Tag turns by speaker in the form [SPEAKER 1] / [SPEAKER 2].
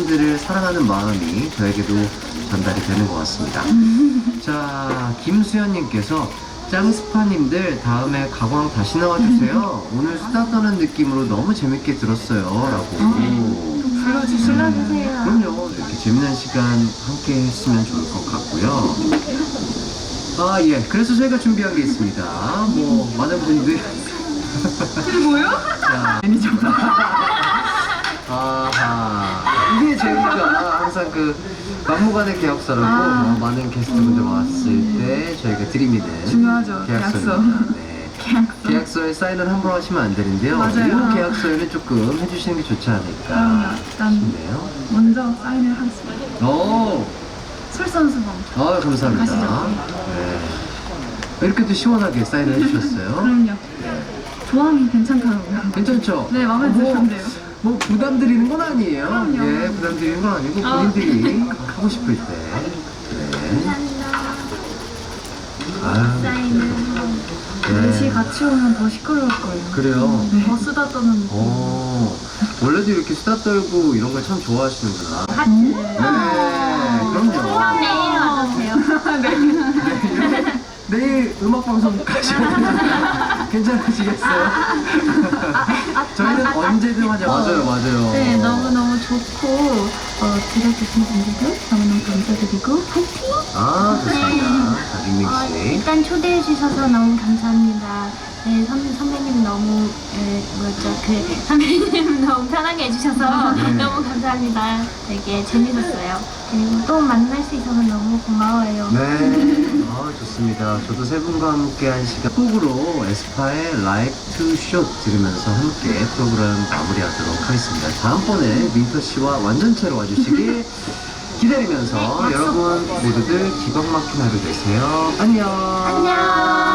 [SPEAKER 1] 팬분들을 사랑하는 마음이 저에게도 전달이 되는 것 같습니다. 자, 김수현님께서 짱스파님들 다음에 가광 다시 나와주세요. 오늘 수다 떠는 느낌으로 너무 재밌게 들었어요. 라고.
[SPEAKER 2] 불러주세요.
[SPEAKER 1] 그럼요. 이렇게 재미난 시간 함께 했으면 좋을 것 같고요. 아, 예. 그래서 저희가 준비한 게 있습니다. 뭐, 많은 분들.
[SPEAKER 2] 이게 뭐예요?
[SPEAKER 1] 자. 아하. 이게 저희가 항상 그 막무가내 계약서라고 많은 게스트분들 왔을 때 저희가 드립니다.
[SPEAKER 2] 중요하죠,
[SPEAKER 1] 계약서입니다. 네. 계약서에 사인을 함부로 하시면 안 되는데요.
[SPEAKER 2] 맞아요.
[SPEAKER 1] 이 계약서에는 조금 해주시는 게 좋지
[SPEAKER 2] 그럼요.
[SPEAKER 1] 않을까
[SPEAKER 2] 일단
[SPEAKER 1] 싶네요.
[SPEAKER 2] 먼저 사인을 하겠습니다.
[SPEAKER 1] 오,
[SPEAKER 2] 솔선수범.
[SPEAKER 1] 감사합니다.
[SPEAKER 2] 가시죠.
[SPEAKER 1] 네. 이렇게 또 시원하게 사인을 해주셨어요.
[SPEAKER 2] 그럼요. 조항이 괜찮더라고요.
[SPEAKER 1] 괜찮죠?
[SPEAKER 2] 네, 마음에 드셨는데요.
[SPEAKER 1] 뭐 부담 드리는 건 아니에요.
[SPEAKER 2] 그럼요.
[SPEAKER 1] 예, 부담 드리는 건 아니고 본인들이 하고 싶을 때. 네. 아유,
[SPEAKER 2] 넷이 같이 오면 더 시끄러울 거예요.
[SPEAKER 1] 그래요?
[SPEAKER 2] 더 쓰다 떠는 느낌.
[SPEAKER 1] 원래도 이렇게 수다 떨고 이런 걸 참 좋아하시는구나. 네, 그럼요.
[SPEAKER 3] 내일 와도 돼요?
[SPEAKER 1] 내일 음악 방송 가시면 괜찮으시겠어요? 저희는 언제든 하죠. 맞아요.
[SPEAKER 2] 네, 너무너무 좋고 들어주신 분들도 너무너무 감사드리고 파이팅!
[SPEAKER 1] 좋습니다. 자, 밍밍 씨.
[SPEAKER 3] 일단 초대해 주셔서 너무 감사합니다. 네, 선배님 너무 선배님 너무 편하게 해주셔서
[SPEAKER 1] 네.
[SPEAKER 3] 너무 감사합니다. 되게 재밌었어요. 그리고 또 만날 수 있어서 너무 고마워요.
[SPEAKER 1] 네, 좋습니다. 저도 세 분과 함께 한 시간 곡으로 에스파의 Like to Shot 들으면서 함께 프로그램 마무리하도록 하겠습니다. 다음번에 민터 씨와 완전체로 와주시길 기다리면서
[SPEAKER 3] 네, 약속.
[SPEAKER 1] 여러분 모두들 기광 막힌 하루 되세요. 안녕.
[SPEAKER 3] 안녕.